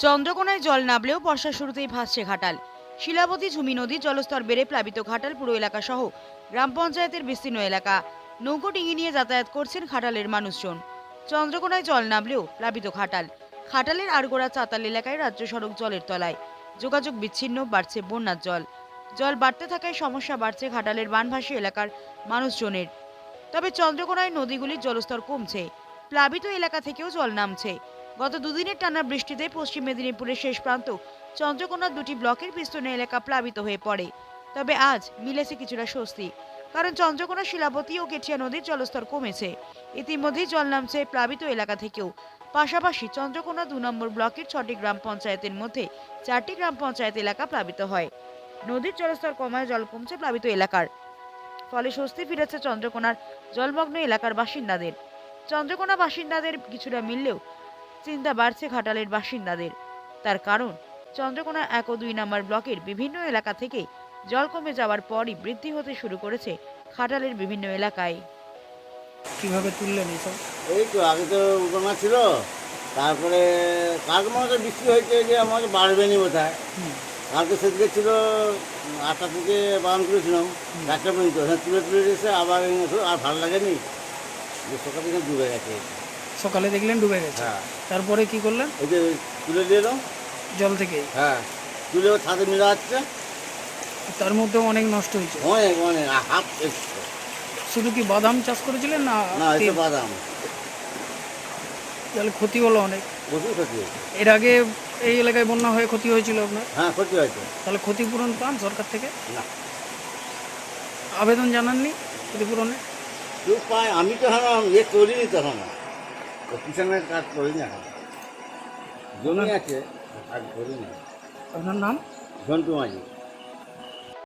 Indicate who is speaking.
Speaker 1: চন্দ্রকোনায় জল নামলেও বর্ষার শুরুতেই ভাসছে ঘাটাল। শিলাবতী ঝুমি নদীর জলস্তর বেড়ে প্লাবিত ঘাটাল পুরো এলাকা সহ গ্রাম পঞ্চায়েতের বিস্তীর্ণ এলাকা। নৌকো ডিঙি নিয়ে যাতায়াত করছেন ঘাটালের মানুষজন। চন্দ্রকোনায় জল নামলেও প্লাবিত ঘাটাল। ঘাটালের আড়গোড়া চাতাল এলাকায় রাজ্য সড়ক জলের তলায়, যোগাযোগ বিচ্ছিন্ন, বাড়ছে বন্যার জল। জল বাড়তে থাকায় সমস্যা বাড়ছে ঘাটালের বানভাসী এলাকার মানুষজনের। তবে চন্দ্রকোনায় নদীগুলির জলস্তর কমছে, প্লাবিত এলাকা থেকেও জল নামছে। গত দুদিনের টানা বৃষ্টিতে পশ্চিম মেদিনীপুরের শেষ প্রান্ত চন্দ্রকোনার দুটি ব্লকের বিস্তীর্ণ এলাকা প্লাবিত হয়ে পড়ে। তবে আজ মিলেছে কিছুটা স্বস্তি, কারণ চন্দ্রকোনা, শিলাবতী ও কেঠিয়া নদীর জলস্তর কমেছে। ইতিমধ্যেই জল নামছে প্লাবিত এলাকা থেকেও। পাশাপাশি চন্দ্রকোনা ২ নম্বর ব্লকের ৬টি গ্রাম পঞ্চায়েতের মধ্যে ৪টি গ্রাম পঞ্চায়েত এলাকা প্লাবিত হয়। নদীর জলস্তর কমায় জল কমছে প্লাবিত এলাকার, ফলে স্বস্তি ফিরেছে চন্দ্রকোনার জলমগ্ন এলাকার বাসিন্দাদের। চন্দ্রকোনা বাসিন্দাদের কিছুটা মিললেও চিন্তা বাড়ছে ঘাটালের বাসিন্দাদের। তার কারণ, চন্দ্রকোনা ১ ও ২ নম্বর ব্লকের বিভিন্ন এলাকা থেকে জল কমে যাওয়ার পরই বৃদ্ধি হতে শুরু করেছে ঘাটালের বিভিন্ন এলাকায়।
Speaker 2: কিভাবে তুললেন এইসব?
Speaker 3: এই তো আগে তো উঠানা ছিল, তারপরে কালকে মনে হচ্ছে বৃষ্টি হয়েছে যে আমাকে বাড়বেনি বোধহয়। কালকে সেদিকে ছিল ৮টা থেকে বারণ করেছিলাম ৪টা পর্যন্ত, তুলে তুলে এসে আবার আর ভালো লাগেনি, যে সকাল থেকে ডুবে গেছে।
Speaker 2: সকালে দেখলেন ডুবে গেছে,
Speaker 3: হ্যাঁ।
Speaker 2: তারপরে কি করলেন?
Speaker 3: এই যে তুলে দিয়ে এলাম
Speaker 2: জল থেকে।
Speaker 3: হ্যাঁ, তুলে ছাদে মিলা যাচ্ছে।
Speaker 2: তার মধ্যে অনেক নষ্ট হয়েছে।
Speaker 3: অনেক অনেক হাফ এসছে।
Speaker 2: শুধু কি বাদাম চাষ করেছিলেন না?
Speaker 3: না, এসে বাদাম
Speaker 2: তাহলে ক্ষতি হলো অনেক।
Speaker 3: প্রচুর ক্ষতি হয়েছে।
Speaker 2: এর আগে এই এলাকায় বন্যা হয়ে ক্ষতি হয়েছিল আপনার?
Speaker 3: হ্যাঁ, ক্ষতি হয়েছে।
Speaker 2: তাহলে ক্ষতিপূরণ পান সরকার থেকে?
Speaker 3: না,
Speaker 2: আবেদন জানাননি ক্ষতিপূরণে?
Speaker 3: কেউ পায়, আমি তো এখন ইয়ে করিনি, তখন কিষানের কাজ করিনি, এখন জমি আছে, কাজ করিনি।
Speaker 2: আপনার নাম?
Speaker 3: ঝন্টু মাঝি।